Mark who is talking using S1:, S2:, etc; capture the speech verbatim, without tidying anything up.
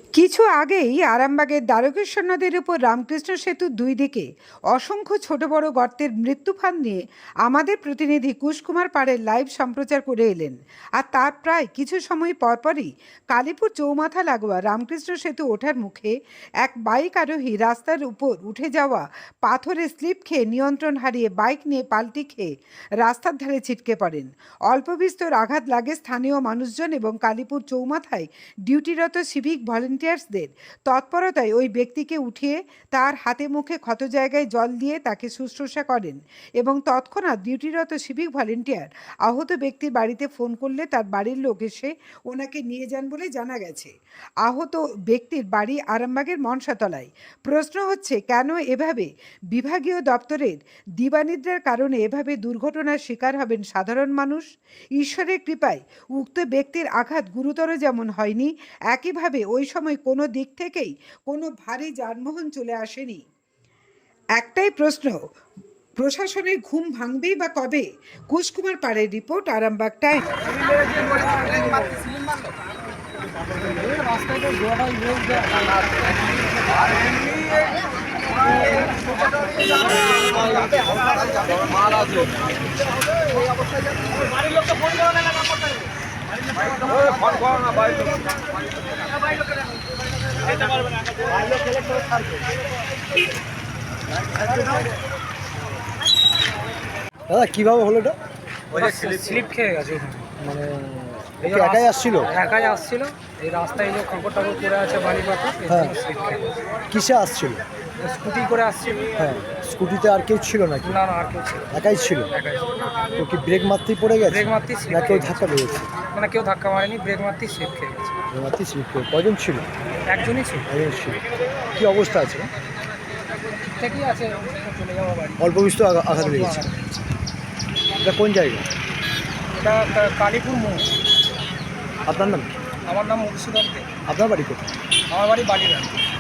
S1: কিছু আগেই আরামবাগের দ্বারকেশ্বর নদের উপর রামকৃষ্ণ সেতুর দুই দিকে অসংখ্য ছোট বড় গর্তের মৃত্যুফান নিয়ে আমাদের প্রতিনিধি কুশকুমার পাড়ের লাইভ সম্প্রচার করে এলেন। আর তার প্রায় কিছু সময় পরপরই কালীপুর চৌমাথা লাগোয়া রামকৃষ্ণ সেতু ওঠার মুখে এক বাইক আরোহী রাস্তার উপর উঠে যাওয়া পাথরে স্লিপ খেয়ে নিয়ন্ত্রণ হারিয়ে বাইক নিয়ে পাল্টি খেয়ে রাস্তার ধারে ছিটকে পড়েন। অল্প বিস্তর আঘাত লাগে স্থানীয় মানুষজন এবং কালীপুর চৌমাথায় ডিউটিরত সিভিক ভলেন্টিয়ার্সদের তৎপরতায় ওই ব্যক্তিকে উঠিয়ে তার হাতে মুখে ক্ষত জায়গায় জল দিয়ে তাকে শুশ্রূষা করেন এবং তৎক্ষণাৎ ডিউটিরত সিভিক ভলেন্টিয়ার আহত ব্যক্তির বাড়িতে ফোন করলে তার বাড়ির লোক এসে ওনাকে নিয়ে যান বলে জানা গেছে। আহত ব্যক্তির বাড়ি আরামবাগের মনসাতলায়। প্রশ্ন হচ্ছে, কেন এভাবে বিভাগীয় দপ্তরের দিবানিদ্রার কারণে এভাবে দুর্ঘটনার শিকার হবেন সাধারণ মানুষ? ঈশ্বরের কৃপায় উক্ত ব্যক্তির আঘাত গুরুতর যেমন হয়নি, একইভাবে ওই সময় কোনো দিক থেকেই কোনো ভারী যানবাহন চলে আসেনি। একটাই প্রশ্ন, প্রশাসনের ঘুম ভাঙবেই বা কবে? কুশকুমার পাড়ের রিপোর্ট, আরামবাগ টাইম।
S2: দাদা কিভাবে হলো এটা?
S3: ওই যে স্লিপ খেয়ে গেছে ওখানে।
S2: মানে
S3: এই
S2: ও কি একাই আসছিল?
S3: একাই আসছিল। এই রাস্তায় যে কাপড় টাপড় পরে আছে বাড়ি পাতা,
S2: হ্যাঁ।
S3: স্লিপ খেয়ে গেছে।
S2: কিসে আসছিল?
S3: স্কুটি করে আসছিল।
S2: হ্যাঁ, স্কুটিতে আর কেউ ছিল নাকি?
S3: না না, আর কেউ ছিল না।
S2: একাই ছিল।
S3: একাই ছিল।
S2: তো কি ব্রেক মারতেই পড়ে গেছে?
S3: ব্রেক মারতেই slip
S2: না কেউ
S3: খেয়ে
S2: ধাক্কা পেয়েছে?
S3: মানে কেউ ধাক্কা মারেনি, ব্রেক মারতেই স্লিপ খেয়ে গেছে।
S2: ব্রেক মারতেই স্লিপ করে কজন ছিল?
S3: একজনই ছিল।
S2: একজন ছিল। কি অবস্থা আছে?
S3: ঠিকঠাকই আছে, চলে যাওয়া বাড়ি।
S2: অল্প বিস্তর আগা- আঘাত
S3: অল্প
S2: লেগেছে।
S3: আঘাত।
S2: এটা কোন জায়গা?
S3: এটা কা- কালীপুর মোড়।
S2: আপনার নাম কি?
S3: আমার নাম মধুসূদন দে।
S2: আপনার বাড়ি কোথায়?
S3: আমার বাড়ি বালিরাম।